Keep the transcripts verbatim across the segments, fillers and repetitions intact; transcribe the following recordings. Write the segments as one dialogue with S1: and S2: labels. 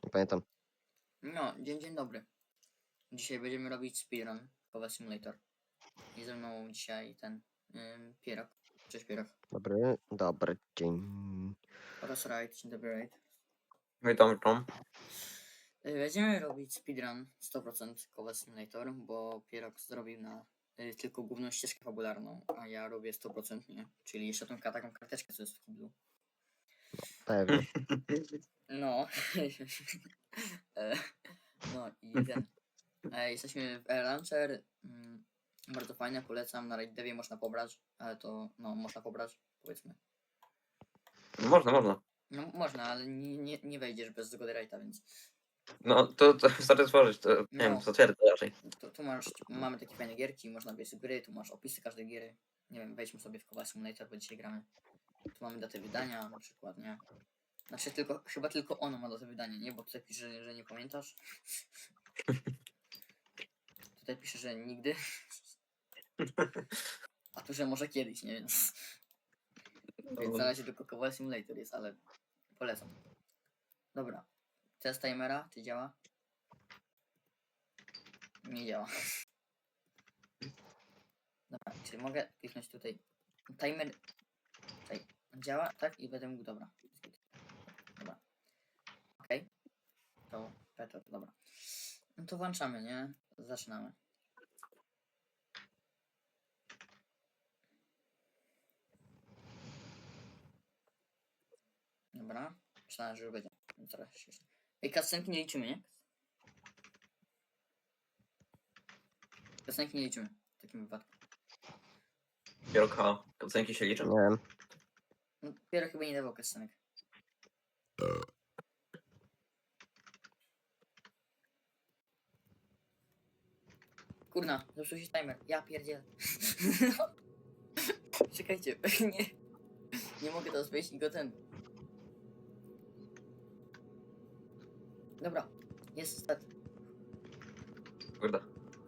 S1: Nie pamiętam.
S2: No, dzień, dzień dobry. Dzisiaj będziemy robić speedrun Kowa Simulator. I ze mną dzisiaj ten ym, Pierok. Cześć Pierok.
S1: Dobry, dobry dzień.
S2: Oraz Raid. Dzień dobry Raid.
S3: Witam, witam.
S2: Y, Będziemy robić speedrun sto procent Kowa Simulator, bo Pierok zrobił na y, tylko główną ścieżkę fabularną, a ja robię sto procent nie. Czyli jeszcze tą taką karteczkę, co jest w kiblu.
S1: Pewnie.
S2: No. E, no i ten. E, jesteśmy w Air Launcher. Mm, bardzo fajne, polecam. Na Raid Devie można pobrać, ale to no można pobrać, powiedzmy.
S3: Można, można.
S2: No można, ale nie, nie, nie wejdziesz bez zgody Raida, więc
S3: No to, to wystarczy stworzyć, to nie
S2: No.
S3: wiem, zatwierdzę raczej.
S2: tu, tu masz, mamy takie fajne gierki, można wejść z gry, tu masz opisy każdej gry. Nie wiem, wejdźmy sobie w Kowa Simulator, bo dzisiaj gramy. Tu mamy datę wydania na przykład, nie? Znaczy tylko, chyba tylko ono ma datę wydania, nie? Bo tutaj pisze, że, że nie pamiętasz. Tutaj pisze, że nigdy. A tu, że może kiedyś, nie? Więc, więc na razie tylko Kowa Simulator jest, ale polecam. Dobra. Test timera, czy działa? Nie działa. Dobra, czy mogę kliknąć tutaj? Timer. Tutaj działa, tak? I będę mógł, dobra. Dobra. Okej. To better, dobra. No to włączamy, nie? Zaczynamy. Dobra. Myślałem, że już będzie. No teraz się... Ej, cutscenki nie liczymy, nie? Cutscenki nie liczymy w takim wypadku.
S3: Pieroka, ocenki się liczą?
S1: Nie wiem.
S2: No, Pierre chyba nie dawał cutscenek. Kurna, zepsuł się timer. Ja pierdzielę. Czekajcie, nie. Nie mogę teraz wejść i go ten. Dobra, jest start.
S3: Kurde.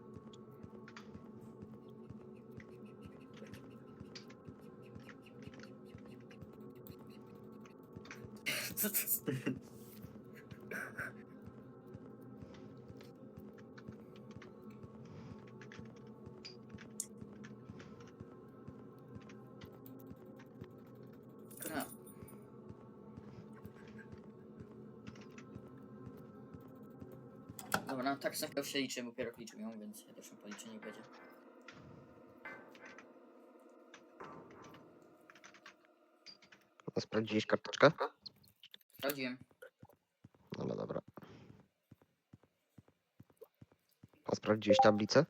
S2: Co to jest? Kurna. Dobra, no tak samo się liczy, bo Pierok liczył ją, więc ja też ją policzę, nie będzie.
S1: A sprawdziłeś karteczkę?
S2: Sprawdziłem.
S1: No, no dobra. A sprawdziłeś tablicę?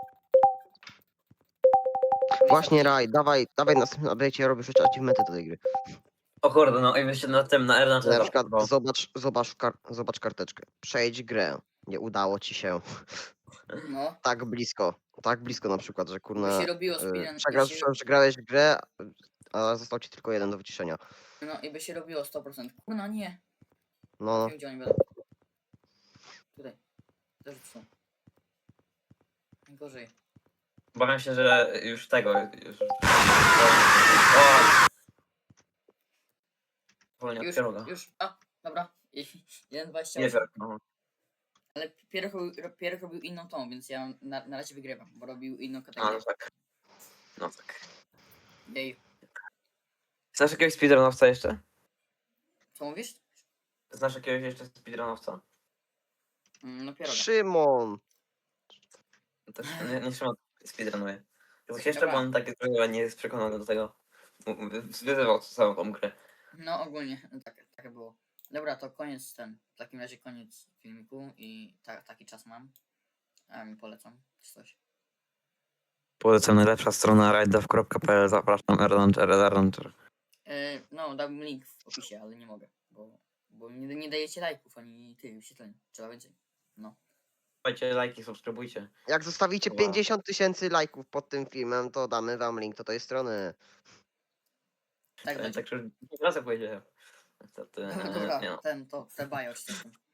S1: Właśnie Raj, dawaj, dawaj na następnym update'cie robisz już achievementy do tej gry.
S3: O kurde, no i myślę na tym, na R na
S1: Na przykład zobacz, zobacz, kar zobacz karteczkę. Przejdź grę. Nie udało ci się.
S2: No,
S1: Tak blisko. Tak blisko na przykład, że
S2: by
S1: kurna...
S2: się robiło
S1: y,
S2: speedrun,
S1: Przegrasz,
S2: by się,
S1: przegrałeś grę, a został ci tylko jeden do wyciszenia.
S2: no i by się robiło sto procent. Kurna, nie.
S1: No, no.
S2: Nie wiem, gdzie oni będą. Tutaj. Też są. Najgorzej.
S3: Obawiam się, że już tego, już... Wolnie od
S2: Już,
S3: pieroga.
S2: już, a, dobra. jeden dwadzieścia
S3: Nie
S2: osiem.
S3: wiem, no.
S2: Ale Pierre robił, Pierre robił inną tą, więc ja na, na razie wygrywam, bo robił inną
S3: A, no
S2: kategorię.
S3: tak. No tak.
S2: Jej.
S3: Znasz jakiegoś speedrunowca jeszcze?
S2: Co mówisz?
S3: Znasz jakiegoś jeszcze speedrunowca?
S2: Mm, No Pieroga.
S1: Szymon!
S3: Też nie, nie trzeba speedrunuje. Coś jeszcze,
S2: Dobra.
S3: bo on taki trochę nie jest przekonany do tego. Wyzywał całą tą grę.
S2: No ogólnie, no tak, tak było. Dobra, to koniec ten. W takim razie koniec filmiku i ta, taki czas mam. A mi polecam czy coś.
S3: Polecam najlepsza strona ridedev kropka p l. Zapraszam, Erlauncher, Erlauncher.
S2: Yy, no, dałbym link w opisie, ale nie mogę, bo, bo nie, nie dajecie lajków ani tych wyświetleń. Trzeba więcej. No.
S3: Dajcie lajki, subskrybujcie.
S1: Jak zostawicie
S3: Wow.
S1: pięćdziesiąt tysięcy lajków pod tym filmem, to damy wam link do tej strony.
S2: Tak
S3: Tak,
S2: będzie.
S3: tak, że razy powiedziałem. Niestety,
S2: No
S3: e,
S2: dobra,
S3: nie no.
S2: ten, to, te bajo czy coś tam.